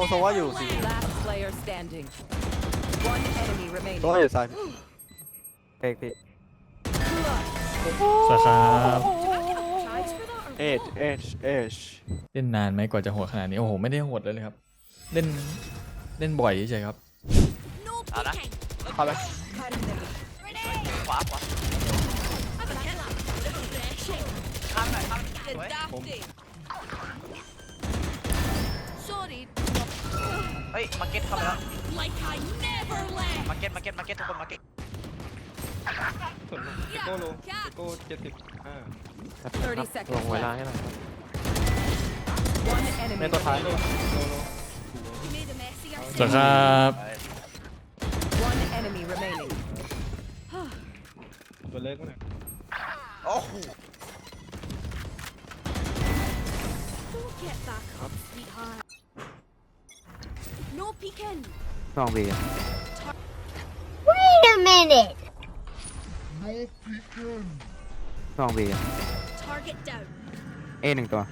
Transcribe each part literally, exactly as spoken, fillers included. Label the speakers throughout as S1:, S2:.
S1: โซว่าอยู่สิ
S2: Last player standing. One enemy
S1: โซว่า
S2: remaining.
S1: อยู่ซ้าย
S3: เอกพี่
S4: สวัสดีครับ
S1: เอชเอชเอช
S4: เล่นนานไหมกว่าจะโหดขนาดนี้โอ้โหไม่ได้โหดเลยเลยครับเล่นเล่นบ่อยเฉยๆครับ
S5: เอานะ
S1: เข้าไป
S5: ขวาขวาข้ามหน่อยข้ามสวย
S6: Sorry,
S5: เฮ้ยมาเก็ตเข้าไปแล้ว
S6: like I never left.
S5: มาเก็ตมาเก็ตมาเก็ตทุกคนมาเก็ต
S3: ส่วนติโก้โลติโก้เจ็ดสิบห้า
S2: thirty
S3: ล
S2: seconds
S3: งเวลา
S2: left.
S3: ให้หน่อยครับ
S2: One
S1: ใน
S2: enemy
S1: ตัวท้าย
S3: โล
S2: remaining.
S3: โลโล
S6: You made a mess of
S4: สวัสดี
S6: yourself.
S4: ครับ
S2: One enemy remaining.
S3: ตัวเล็กมั้งเนี่ย
S5: โอ้โห
S6: Don't get back up, sweetheart. No peeking.
S3: ลองบี
S7: Wait a minute.
S3: ลองบี
S6: Target down.
S3: เอหนึ่งตัว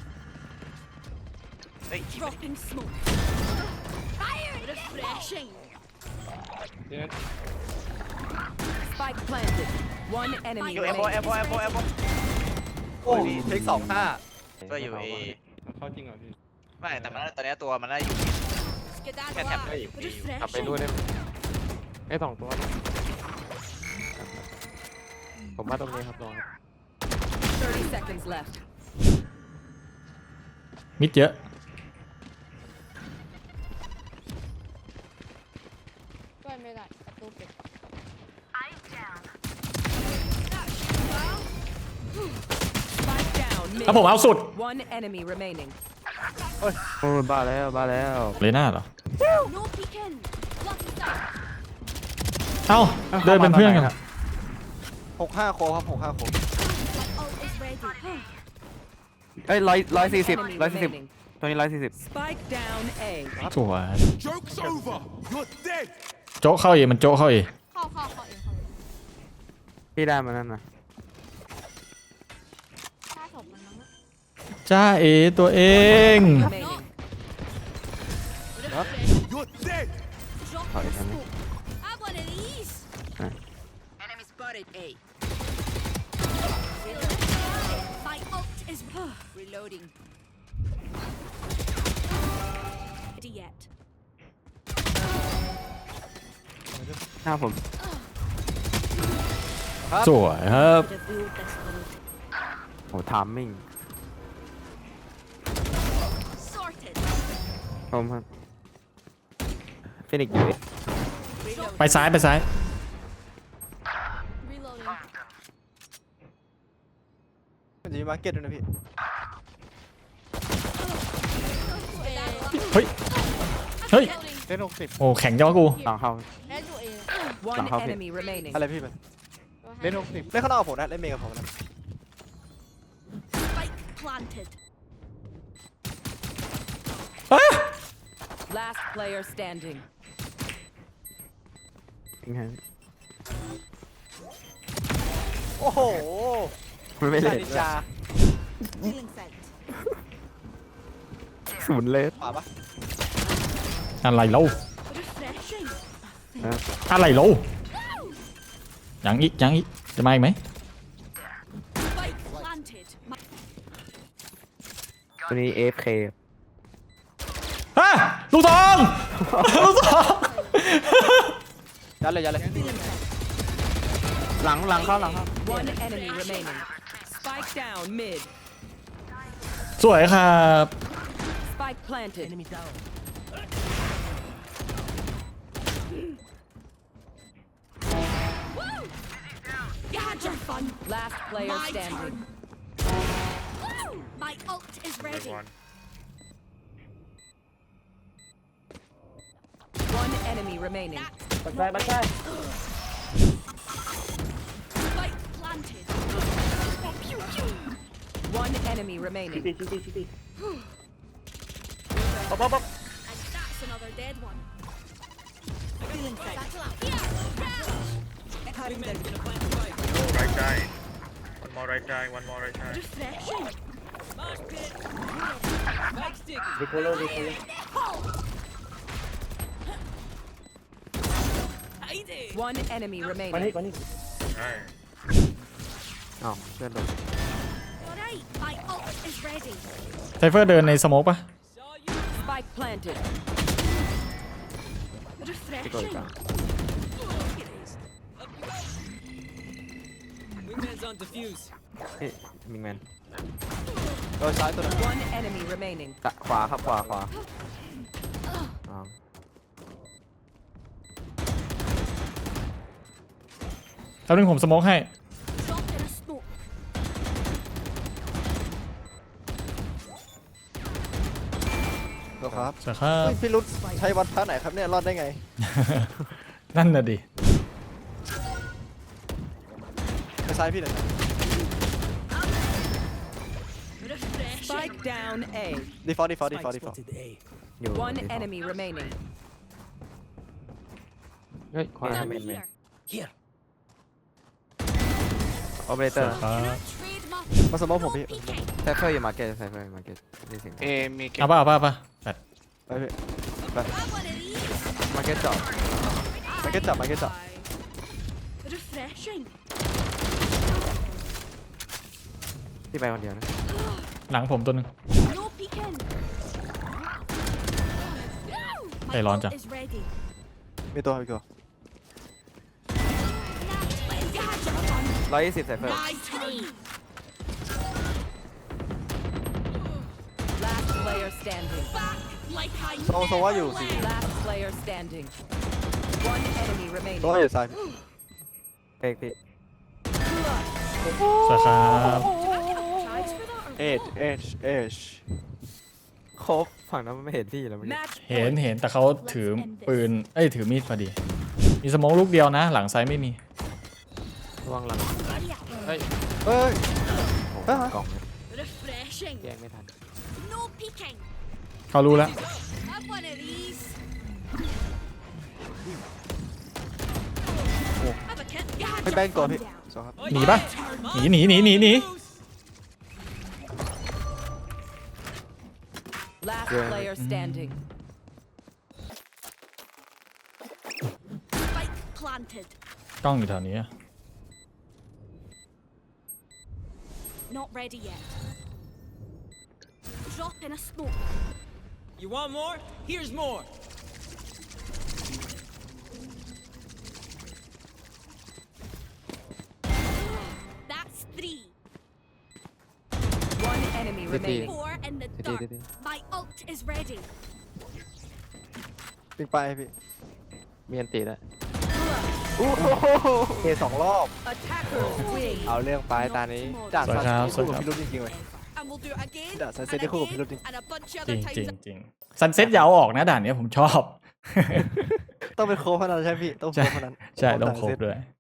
S5: เฮ้ย
S6: Dropping smoke. Fire! Refreshing.
S2: Spike planted. One
S5: อ
S2: enemy
S5: ยู่เอโบเอโบ
S2: remaining.
S5: เอโบเอโบ
S1: โอ้เทคสองห้า
S5: ก็อยู่เอ
S3: เข้าจริงเหรอพี่
S5: ไม่แต่มันตอนนี้ตัวมันได้อยู่
S6: Skedaddle
S5: Can't have
S6: out.
S5: that.
S3: กลับไปด้วย
S6: Refreshing.
S3: ได้ไหมไอ้สองตัวนะผมว่าตรงนี้ครับลอง
S2: thirty seconds left.
S4: มิดเยอะ
S7: ช่วยไม่ได้ประตูปิด
S2: Spike down
S4: แล้วผม
S2: mid.
S4: เอาสุด
S2: One enemy remaining.
S3: โอ้ยบ้าแล้วบ้าแล้ว
S4: เลยหน้าเหรอ
S6: No peeking. Lucky start.
S4: เอ้าเดินเป็นเพื่อนกัน
S1: หกห้าโคครับหกห้าโค
S6: My ult is ready.
S3: เอ้ยร้อยร้อยสี่สิบ
S2: Enemy
S3: ร้อยสี่สิบ
S2: remaining.
S3: ตัวนี้ร้อยสี่สิบ
S2: Spike down A.
S4: สวย
S8: Joke's over. You're dead.
S4: โจ๊กเข้าเอมันโจ๊กเข้าเอ
S7: เข้าเข้าเข้าเองเข้าเอง
S3: พี่ได้มานั่นนะ
S7: ถ้าศพมันมั้งนะ
S4: จ้าเอตัวเอง
S2: Remaining.
S8: You're dead.
S6: Dropping smoke. Have one of these.
S2: Enemy spotted A.
S6: My ult is
S2: Reloading.
S6: ready yet.
S3: หน้าผม
S4: สวยครับ
S6: Could have ruled this world.
S3: โหทามมิ่ง
S6: Sorted.
S3: ผมครับฟินิกอยู่
S4: ไปซ้ายไปซ้าย
S6: Reloading.
S1: มันจะมีมาร์เก็ตด้วยนะพี่
S4: เฮ้ยเฮ้ย
S3: เล่นหกสิบ
S4: โอ้แข็งย่อกู
S3: หลังเข้า
S7: เล่นตัวเอง
S2: One
S3: Nah, how
S2: enemy remaining.
S1: อะไรพี่มัน
S3: เล่นหกสิบ
S1: เล่นข้างนอกกับผมนะเล่นเมย์กับผมนะ
S6: Spike planted.
S2: Last player standing.
S3: ทิ้งให้
S1: โอ้โห
S3: มันไม่เล่น
S1: นินจา
S6: Feeling sent.
S3: ศูนย์เลส
S1: ขวาปะ
S4: อะไรเล่า
S6: Refreshing.
S4: อะไรเล่ายังอีกยังอีกจะมาอีกไหม
S6: Spike planted. My
S3: ตัวนี้ เอ เอฟ เค
S4: ฮะลูกซองลูกซอง
S1: ยัดเลยยัดเลย
S3: หลังหลังเข้าหลังเข้า
S2: One enemy remaining. Spike down mid.
S4: สวยครับ
S2: Spike planted. Enemy down.
S6: You had your fun.
S2: Last player
S6: My
S2: standing.
S6: Woo! My ult is ready.
S2: One enemy remaining.
S6: That's Spike planted. Pew pew.
S2: One enemy remaining.
S6: And that's another dead one. Feeling sent.
S9: Right side. One more right side. One more right side.
S6: Refreshing.
S2: Spike stick. One enemy
S10: มานี่
S2: remaining.
S10: มานี่
S9: ใช่
S1: อ้าวเพื่อนโดน
S6: Alright, my ult is ready.
S4: ไซเฟอร์เดินในสโมกปะ
S2: Spike planted.
S1: ที่กดอีก
S6: Refreshing.
S1: อ่ะ
S10: Wingman's on defuse
S1: พี่มิงแมนโดนซ้ายตัวหนึง
S2: One enemy remaining.
S1: ตะขวาครับขวาขวาอ้าว
S4: แล้วนึงผมสโมกให้
S6: Drop in a smoke.
S1: โดนครับ
S4: สวัสดีครับ
S1: เฮ้ยพี่รุดใช้วัดท่าไหนครับเนี่ยรอดได้ไง
S4: นั่นน่ะดิ
S1: ไปซ้ายพี่หน่อย
S6: Refreshing.
S2: Spike down A.
S1: ดีฟอลต์ดีฟอลต์ดีฟอลต์ดีฟอลต์ อยู่
S2: One
S1: default
S2: enemy remaining.
S1: เฮ้ยขวา
S6: Done
S1: เมนเมน
S6: here.
S1: ออเปอเรเตอร์
S4: ครับ
S6: Can I trade my
S1: มาสมองผมพี่
S6: peeking?
S1: ไซเฟอร์อยู่มาร์เก็ตไซเฟอร์อยู่มาร์เก็ตนี่สิง
S5: เอมีเก็บ
S4: เอาป่ะเอาป่ะเอาป่ะแปด
S1: ไปพี่
S6: Have one of these.
S1: มาร์เก็ตเจาะมาร์เก็ตเจาะมาร์เก็ตเจาะ
S6: Refreshing.
S1: ที่ไปคนเดียวนะ
S4: หลังผมตัวหนึง
S6: No peeking. My
S4: Hey, Lon
S6: ult
S4: Chan.
S6: is ready.
S1: มีตัวพี่ก
S6: Gadget
S1: ร้อยยี่สิบไซเฟอร์
S6: My turn.
S2: Last player standing.
S6: Back like I
S1: โซโซว่าอยู่
S6: never
S1: สี่
S6: left.
S2: Last player standing. One enemy
S1: โซว่า
S2: remaining.
S1: อยู่ซ้ายเอกพี่
S4: สวัสดีครับ
S6: Charge for that or
S1: เอชเอชเอชครบฝั่งนั้นมันไม่เห็นพี่แล้วเมื่อกี้
S2: Match
S4: เห็น
S2: point.
S4: เห็นแต่เขาถือปืน เอ้ยถือมีดพอดี มีสโมกลูกเดียวนะ หลังซ้ายไม่มี
S1: ระวังหลัง
S6: ready up.
S1: เฮ้ยเฮ้ยเฮ้ยกล่องเลย
S6: Refreshing.
S1: แย่งไม่ทัน
S6: No peeking.
S4: เขารู้แล้ว
S6: Have one of these. Have a kit.
S1: ไปแบงตัวพี่สองครับ
S4: หนีปะหนีหนีหนีหนีหนี
S2: Last
S1: Yeah.
S2: player standing.
S6: Spike planted.
S4: กล้องอยู่แถวนี้อะ
S6: Not ready yet. Drop in a smoke.
S10: You want more? Here's more
S6: That's three.
S2: One enemy remaining.
S6: Four in the
S1: ดี
S6: dark.
S1: ดีดี
S6: My ult is ready.
S1: ปิงไปพี่มีอันตีแล้วโอ้โหเคสองรอบ
S2: Attackers win.
S1: เอาเรื่องไปตานี้ด่าน
S4: สวัส
S1: ซัน
S4: ดีครับ
S1: เซ็ตคู่กับพี่รุ่นจริงๆเลย
S6: And we'll do it again.
S1: That's- I
S6: and
S1: said they call it
S6: again,
S1: piloting.
S6: and a bunch of
S4: จริ
S6: other
S4: งจริง
S6: times.
S4: จริงซันเซ็ตยาวออกนะด่านเนี้ยผมชอบ
S1: ต้องเป็นโค้ชพนันใช่ไหมพี่ต้องโค้ชพนัน
S4: ใช่ต้องครบด้วย